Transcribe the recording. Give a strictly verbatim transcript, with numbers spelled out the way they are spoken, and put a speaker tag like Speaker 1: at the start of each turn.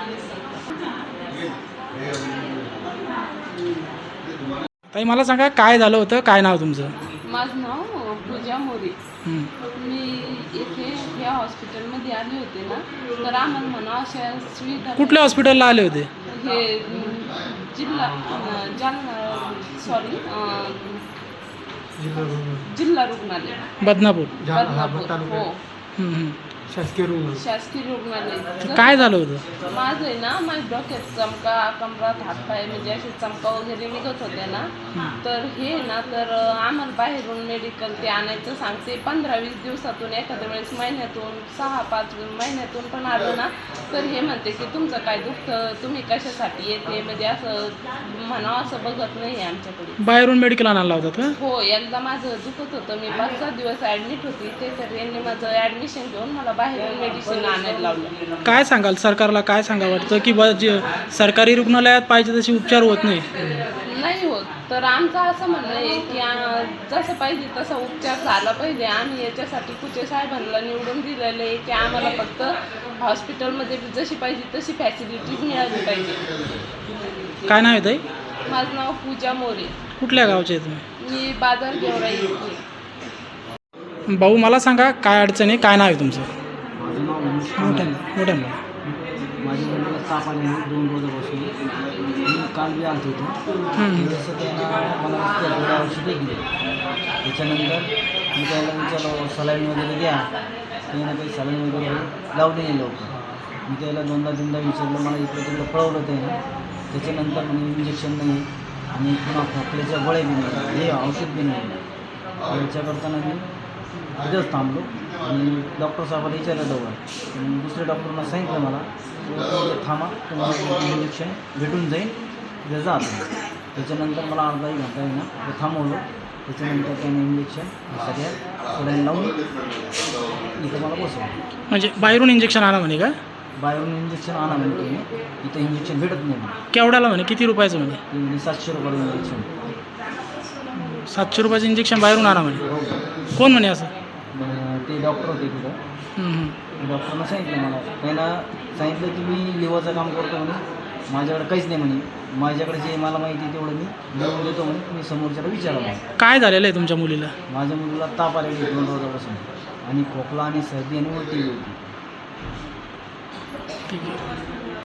Speaker 1: ताई मला सांगा काय झालं होतं, काय नाव तुमचं?
Speaker 2: माझं नाव पूजा मोरे.
Speaker 1: हं.
Speaker 2: मी इथे ह्या हॉस्पिटलमध्ये आले होते ना, तर आम्हाला म्हणा अशा सुविधा.
Speaker 1: कुठल्या हॉस्पिटलला आले होते?
Speaker 2: हे अं, जिल्हा अं, जालना सॉरी जिल्हा रुग्णालय
Speaker 1: बदनापूर.
Speaker 2: बदनापूर. हो,
Speaker 1: हं, हं.
Speaker 3: शासकीय रुग्ण
Speaker 2: शासकीय रुग्णालय.
Speaker 1: काय झालं होतं?
Speaker 2: माझं आहे ना, माझ्या डोक्यात चमका, कमरात हातपाय म्हणजे असे चमका वगैरे निघत होते ना, तर हे ना तर आम्हाला बाहेरून मेडिकल ते आणायचं सांगते. पंधरा वीस दिवसातून एखाद्या वेळेस महिन्यातून सहा पाच महिन्यातून पण आलं ना, तर हे म्हणते की तुमचं काय दुखतं, तुम्ही कशासाठी येते, म्हणजे असं म्हणावं असं बघत नाही आमच्याकडे.
Speaker 1: बाहेरून मेडिकल आणायला लावतात का?
Speaker 2: हो, एकदा माझं दुखत होतं, मी पाच सात दिवस ॲडमिट होती ते, तर यांनी माझं ॲडमिशन घेऊन मला बाहेरून मेडिसिन आणायला लावलं.
Speaker 1: काय सांगाल सरकारला, काय सांगा वाटतं की ब जे सरकारी रुग्णालयात पाहिजे तसे उपचार होत नाही?
Speaker 2: नाही होत, तर आमचं असं म्हणणं आहे की आ, जसं पाहिजे तसा उपचार झाला पाहिजे. आम्ही याच्यासाठी कुचे साहेबांना निवडून दिलेलं आहे की आम्हाला फक्त हॉस्पिटलमध्ये जशी पाहिजे तशी फॅसिलिटीज मिळाली पाहिजे.
Speaker 1: काय नाव आहे ताई?
Speaker 2: माझं नाव पूजा मोरे.
Speaker 1: कुठल्या गावचे आहे तुम्ही?
Speaker 2: मी बाजार गेवरा येते.
Speaker 1: भाऊ मला सांगा काय अडचण आहे, काय नाव आहे तुमचं?
Speaker 3: माझं नाव मनीष
Speaker 1: मोठ्यानं
Speaker 3: कांबळे.
Speaker 1: मोठ्यानं.
Speaker 3: माझ्या मुलीला ताप आल्यामुळे दोन रोजापासून मी काल बी आलतो होतो. जसं त्यांना मला त्या गोळ्या औषधे दिली. त्याच्यानंतर मी त्याला विचारलं सलाईन वगैरे द्या. त्यानं काही सलाईन वगैरे लावली नाही लवकर. मी त्याला दोनदा तीनदा विचारलं, मला इकडं तिकडं पळवलं त्यानं. त्याच्यानंतर म्हणजे इंजेक्शन नाही आणि पुन्हा खोकल्याच्या गोळ्या बी नाही, हे औषध बी नाही. याच्या करताना मी तिथंच थांबलो आणि डॉक्टर साहेबांना विचारलं दोघं. दुसऱ्या डॉक्टरना सांगितलं मला की थांबा, तुम्हाला इंजेक्शन भेटून जाईल, तिथे जा. त्याच्यानंतर मला अर्धा एक घंटा आहे ना ते थांबवलं. त्याच्यानंतर त्याने इंजेक्शन सगळ्या सलाईन लावून इथं मला बसवलं.
Speaker 1: म्हणजे बाहेरून इंजेक्शन आणा म्हणे का?
Speaker 3: बाहेरून इंजेक्शन आणा म्हणे तुम्ही, इथं इंजेक्शन भेटत नाही म्हणे.
Speaker 1: केवढ्याला म्हणे, किती रुपयाचं म्हणे?
Speaker 3: ते म्हणजे सातशे रुपयाला इंजेक्शन.
Speaker 1: सातशे रुपयाचं इंजेक्शन बाहेरून आणा म्हणे.
Speaker 3: हो.
Speaker 1: कोण म्हणे असं?
Speaker 3: मग ते डॉक्टर होते तिथं.
Speaker 1: हं, हं.
Speaker 3: डॉक्टरनं सांगितलं मला, त्यांना सांगितलं की मी लिव्हरचं काम करतो म्हणे, माझ्याकडे काहीच नाही म्हणे, माझ्याकडे जे मला माहिती आहे तेवढं मी लिहून देतो म्हणे, तुम्ही समोरच्याला विचारा म्हणे.
Speaker 1: काय झालेलं आहे तुमच्या मुलीला?
Speaker 3: माझ्या मुलीला ताप आलेली आहे दोन रोजापासून आणि खोकला आणि सर्दी आणि उलटी होती.
Speaker 1: ठीक आहे.